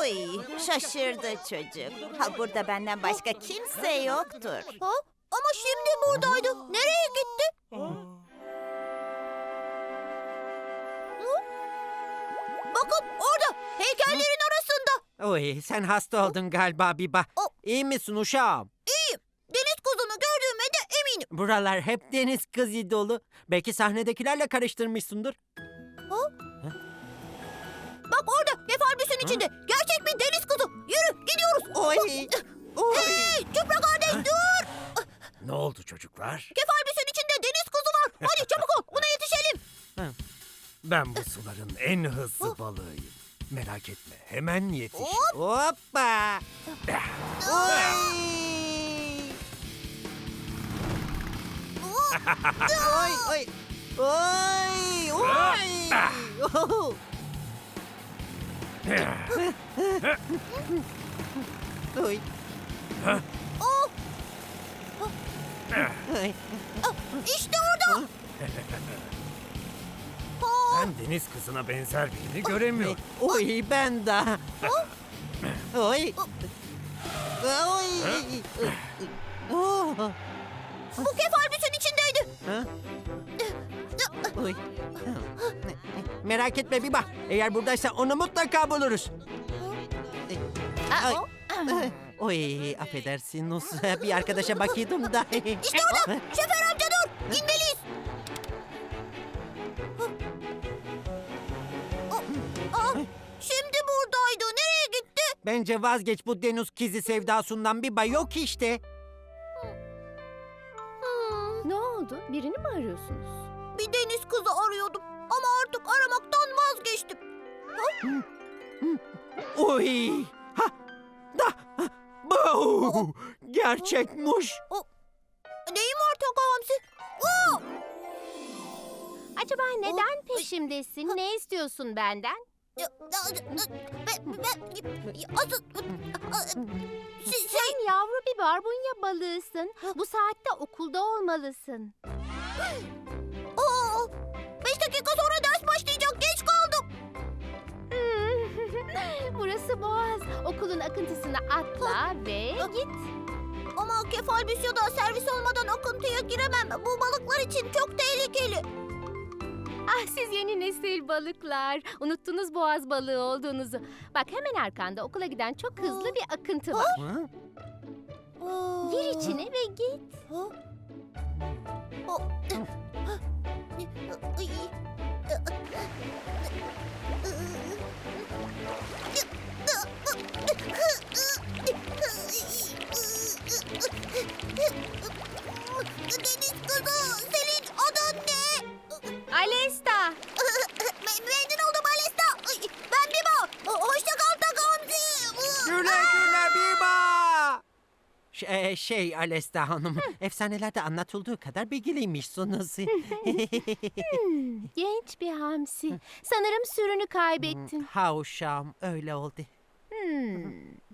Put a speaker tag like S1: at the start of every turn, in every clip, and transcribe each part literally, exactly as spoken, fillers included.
S1: Oy, şaşırdı çocuk. Ha, burada benden başka kimse yoktur.
S2: Ha? Ama şimdi buradaydı. Nereye gitti? Hı? Bakın orada, heykellerin arasında.
S3: Oy, sen hasta oldun galiba Biba.
S2: O-
S3: İyi misin uşağım?
S2: İyiyim. Deniz kızını gördüğüme de eminim.
S3: Buralar hep deniz kızı dolu. Belki sahnedekilerle karıştırmışsındır.
S2: Bak orada, kefalbüsün içinde. Gerçek bir deniz kızı. Yürü, gidiyoruz.
S3: Oy, oy.
S2: Hey, Çupra kardeş dur.
S4: Ne oldu çocuklar?
S2: Kefalbüsün içinde deniz kızı var. Hadi çabuk ol, buna yetişelim.
S4: Ben bu suların en hızlı balığıyım. Merak etme, hemen yetiş.
S3: Hoppa. Oy. Oy, oy. Oy, oy. Oh. Oy.
S2: Oh,
S3: Oy.
S2: işte orada. Oh,
S4: Ben deniz kızına benzer birini göremiyorum.
S3: Oy, ben de. Oy. Oy. Oh.
S2: bu kefalbüsün içindeydi.
S3: Ha? Oy. Merak etme Biba. Eğer buradaysa onu mutlaka buluruz. Ay. Oy, affedersin Nus. Bir arkadaşa bakıyordum da.
S2: İşte orada. Şoför amca dur. İnmeliyiz. Aa, şimdi buradaydı. Nereye gitti?
S3: Bence vazgeç bu deniz kizi sevdasından Biba, yok işte.
S2: Hmm,
S5: Ne oldu? Birini mi arıyorsunuz?
S2: bir deniz kızı arıyordum. Ama artık aramaktan vazgeçtim.
S3: Oy. Ha. Da. Bu. Gerçekmiş.
S2: Neyim var Taka Hamsi? Oo!
S5: Acaba neden peşimdesin? Ne istiyorsun benden?
S2: Ya, ya, Ben, ben, asıl... Şey, şey,
S5: Sen yavru bir barbunya balığısın. Bu saatte okulda olmalısın.
S2: aa, beş dakika sonra ders başlayacak. Geç kaldım.
S5: Burası Boğaz. Okulun akıntısına atla ve git.
S2: Ama kefalbüs ya da servis olmadan akıntıya giremem. Bu balıklar için çok tehlikeli.
S5: Ah, siz yeni nesil balıklar. Unuttunuz boğaz balığı olduğunuzu. Bak, hemen arkanda okula giden çok hızlı bir akıntı var.
S3: Ha?
S5: Gir içine ve git.
S2: Ha? O- Ay. Deniz kızı, senin adın ne?
S5: Alesta.
S2: Me- Memnun oldum Alesta. Ay, ben Biba. Hoşça kal Taka Hamsi.
S3: Güle güle Biba. Şey, şey Alesta Hanım, efsanelerde anlatıldığı kadar bilgiliymişsiniz.
S5: Genç bir hamsi. Sanırım sürünü kaybettin.
S3: Ha uşağım, öyle oldu.
S5: Hmm.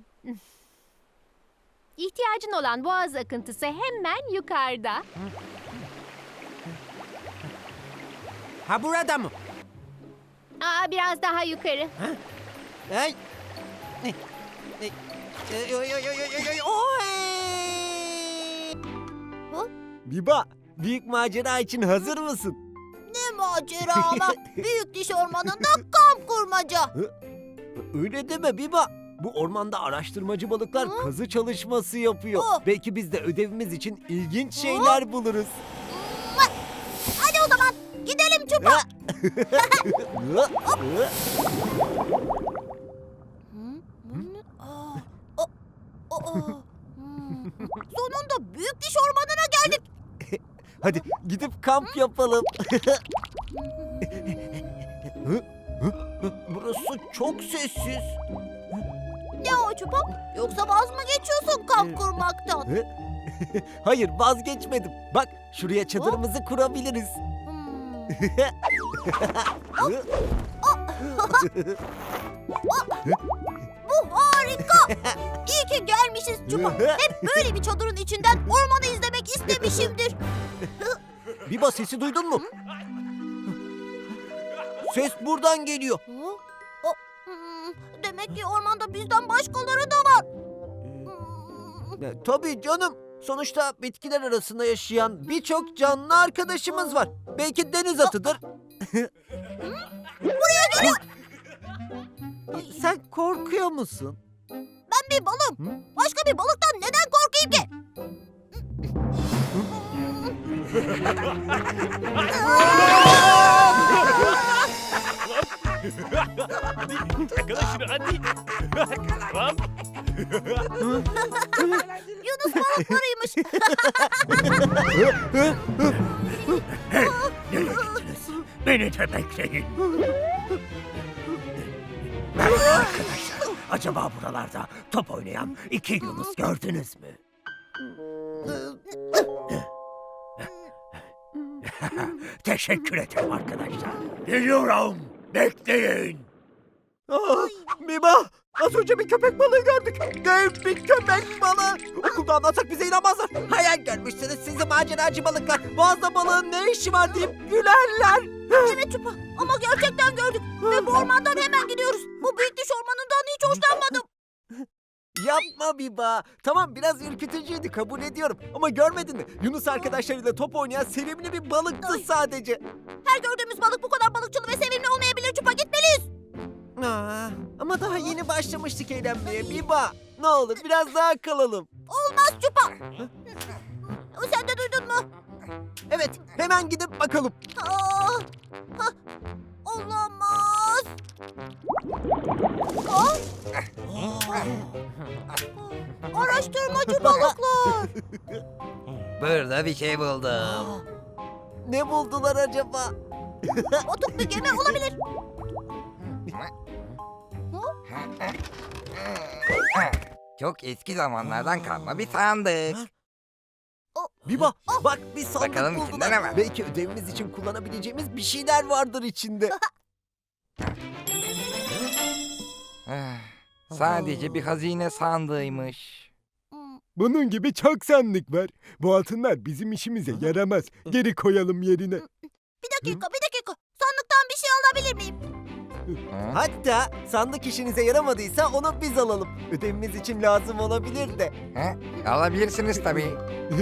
S5: İhtiyacın olan boğaz akıntısı hemen yukarıda.
S3: Ha, burada mı?
S5: Aa, biraz daha yukarı.
S3: Ay. Ay. Ay. Oy, oy, oy, oy, oy, oy, oy.
S6: Biba, büyük macera için hazır mısın?
S2: Ne macera ama. Büyük diş ormanında kamp kurmaca.
S6: Öyle deme Biba. Bu ormanda araştırmacı balıklar
S2: Hı?
S6: kazı çalışması yapıyor.
S2: Oh.
S6: Belki biz de ödevimiz için ilginç şeyler buluruz.
S2: Hadi o zaman gidelim Çupa. Sonunda büyük diş ormanına geldik.
S6: Hadi gidip kamp yapalım. Hı? Hı? Burası çok sessiz.
S2: Ne o Çupa? Yoksa vaz mı geçiyorsun kamp kurmaktan?
S6: Hı? Hayır, vazgeçmedim. Bak, şuraya çadırımızı kurabiliriz.
S2: Hmm.
S6: Hı?
S2: Bu harika. İyi ki gelmişiz Çupa. Hep böyle bir çadırın içinden ormanı izlemek istemişimdir.
S6: Biba, sesi duydun mu? Ses buradan geliyor.
S2: Hı? O, hmm, Demek ki ormanda bizden başkaları da var.
S3: E, tabii canım. Sonuçta bitkiler arasında yaşayan birçok canlı arkadaşımız var. Belki deniz atıdır. Buraya geliyor. Sen korkuyor musun?
S2: Ben bir balım. Başka bir balıktan neden korkayım ki?
S4: Yakala şunu hadi. Tamam.
S2: Yunus balıklarıymış.
S4: Hey, nereye gittiniz? Beni de bekleyin. Merhaba arkadaşlar. Acaba buralarda top oynayan iki Yunus gördünüz mü? Teşekkür ederim arkadaşlar. Geliyorum. Bekleyin.
S3: Aa, Biba! Az önce bir köpek balığı gördük. Dev bir köpek balığı. Okulda anlatsak bize inanmazlar. Hayal görmüşsünüz sizi maceracı balıklar. Boğazda balığın ne işi var deyip gülerler.
S2: Evet Çupa ama gerçekten gördük. Ve bu ormandan hemen gidiyoruz. Bu büyük diş ormanından hiç hoşlanmadım.
S3: Yapma Biba. Tamam biraz ürkütücüydü kabul ediyorum. Ama görmedin mi? Yunus arkadaşlarıyla top oynayan sevimli bir balıktı
S2: Ay.
S3: sadece.
S2: Her gördüğümüz balık bu kadar balıkçılı ve sevimli olmayabilir Çupa. Gitmeliyiz.
S3: Aa, ama daha yeni başlamıştık eğlenmeye Biba. Ne olur biraz daha kalalım.
S2: Olmaz Çupa. Sen de duydun mu?
S3: Evet hemen gidip bakalım.
S2: Aa, ha, olamaz. Aa, araştırmacı balıklar.
S6: Burada bir şey buldum.
S3: Ne buldular acaba?
S2: Batık bir gemi olabilir.
S6: Çok eski zamanlardan kalma bir sandık.
S3: Biba bak bir sandık
S6: Bakalım
S3: buldular.
S6: içinde ne var?
S3: Belki ödevimiz için kullanabileceğimiz bir şeyler vardır içinde.
S6: Ah, Sadece bir hazine sandığıymış.
S7: Bunun gibi çok sandık var. Bu altınlar bizim işimize yaramaz. Geri koyalım yerine.
S2: Bir dakika, bir dakika. Sandıktan bir şey alabilir miyim?
S6: Ha?
S3: Hatta sandık işinize yaramadıysa onu biz alalım. Ödevimiz için lazım olabilir de.
S6: Ha? Alabilirsiniz tabii.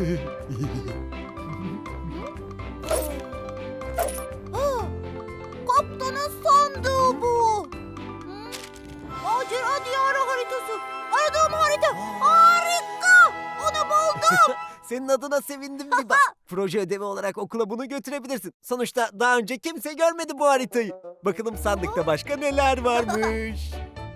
S2: Aa, kaptanın sandığı bu. Hı? Macera diyarı haritası. Aradığım harita. Harika. Onu buldum.
S3: Senin adına sevindim Biba. Proje ödevi olarak okula bunu götürebilirsin. Sonuçta daha önce kimse görmedi bu haritayı. Bakalım sandıkta başka neler varmış.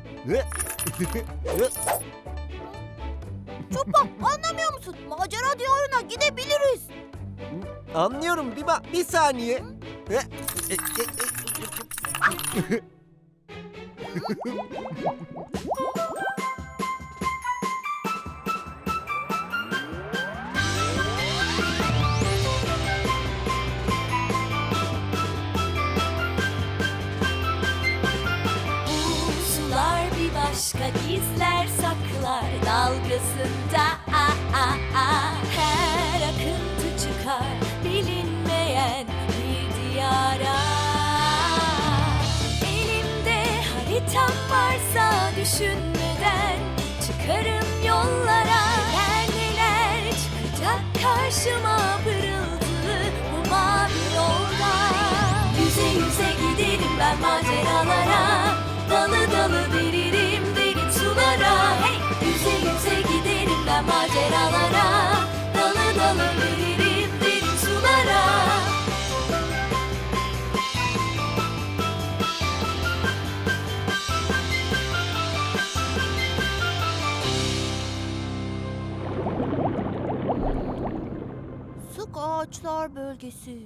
S2: Çupa anlamıyor musun? Macera diyarına gidebiliriz.
S3: Anlıyorum Biba. Bir saniye.
S8: Sular bir başka gizler saklar dalgasında ah, ah, ah. Her akıntı çıkar bilinmeyen bir diyara. Elimde haritam varsa düşünmeden çıkarım yollara. Neler neler çıkacak karşıma pırıltılı bu mavi yolda. Yüze yüze giderim ben maceralara. Dalı dalı veririm derin sulara. Hey! Yüze yüze giderim ben maceralara. Dalı dalı veririm derin sulara.
S2: Sık ağaçlar bölgesi.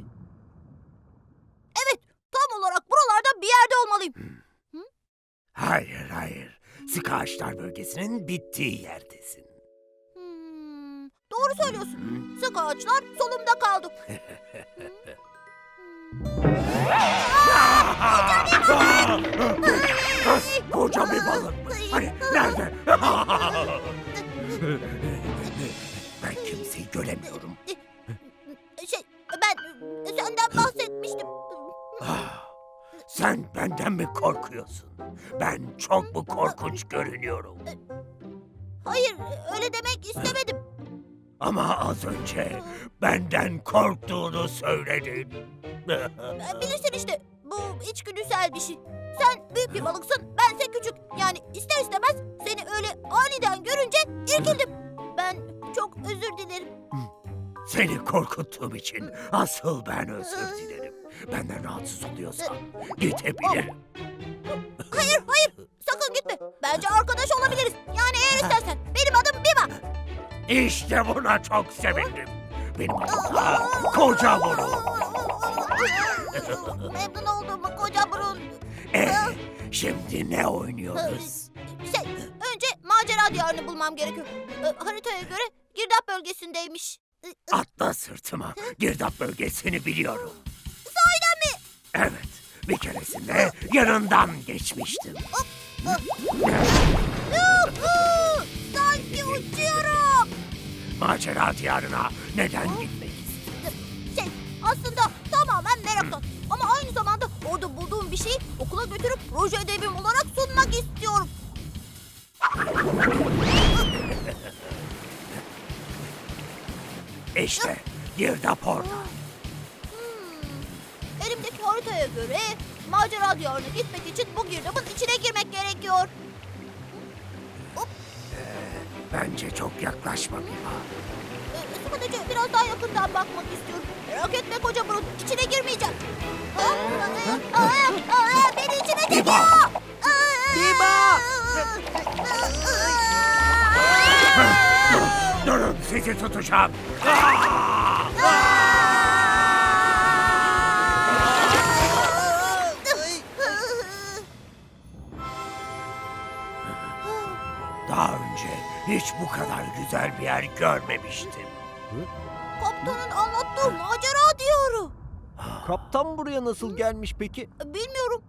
S2: Evet, tam olarak buralarda bir yerde olmalıyım.
S4: Hayır hayır. Sık ağaçlar bölgesinin bittiği yerdesin.
S2: Hmm, doğru söylüyorsun. Sık ağaçlar solumda kaldı.
S4: Koca bir balık mı? Hani nerede? Ben kimseyi göremiyorum.
S2: Şey, ben senden bahsetmiştim.
S4: Ah, sen benden mi korkuyorsun? Ben çok mu korkunç görünüyorum?
S2: Hayır, öyle demek istemedim.
S4: Ama az önce benden korktuğunu söyledin.
S2: Ee, Bilirsin işte, bu içgüdüsel bir şey. Sen büyük bir balıksın, bense küçük. Yani ister istemez seni öyle aniden görünce irkildim. Ben çok özür dilerim.
S4: Seni korkuttuğum için asıl ben özür dilerim. Benden rahatsız oluyorsan gidebilirim.
S2: Hayır, hayır, sakın gitme. Bence arkadaş olabiliriz. Yani eğer istersen. Benim adım Biba.
S4: İşte buna çok sevindim. Benim adım da Koca Burun.
S2: Memnun oldum koca burun.
S4: Ee, şimdi ne oynuyoruz?
S2: Şey, önce macera diyarını bulmam gerekiyor. Ee, haritaya göre girdap bölgesindeymiş.
S4: Atla sırtıma. Girdap bölgesini biliyorum.
S2: Sahiden mi?
S4: Evet. Bir keresinde yanından geçmiştim.
S2: Yuhu! Sanki uçuyorum.
S4: Macera diyarına neden gitmek istiyorsun?
S2: Şey, aslında tamamen meraktan. Ama aynı zamanda orada bulduğum bir şeyi okula götürüp proje ödevim olarak sunmak istiyorum.
S4: İşte girdap orada.
S2: Hmm. Elimdeki haritaya göre macera diyarına gitmek için bu girdabın içine girmek gerekiyor.
S4: Bence çok yaklaşma Biba.
S2: Ee, Sadece biraz daha yakından bakmak istiyorum. Merak etme koca burun, içine girmeyeceğim. Ha? Aa, aa, aa, beni içine çekiyor.
S4: Biba!
S2: Aa!
S3: Biba!
S4: Durun sizi tutacağım. Daha önce hiç bu kadar güzel bir yer görmemiştim.
S2: Kaptanın anlattığı macera diyarı.
S3: Kaptan buraya nasıl gelmiş peki?
S2: Bilmiyorum.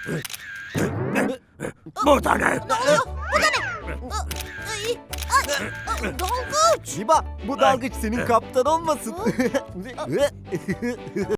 S4: Bu da ne?
S2: Ne oluyor? Bu da ne? Aa, ay, ay, aa, dalgıç.
S3: Biba, bu dalgıç senin kaptan olmasın.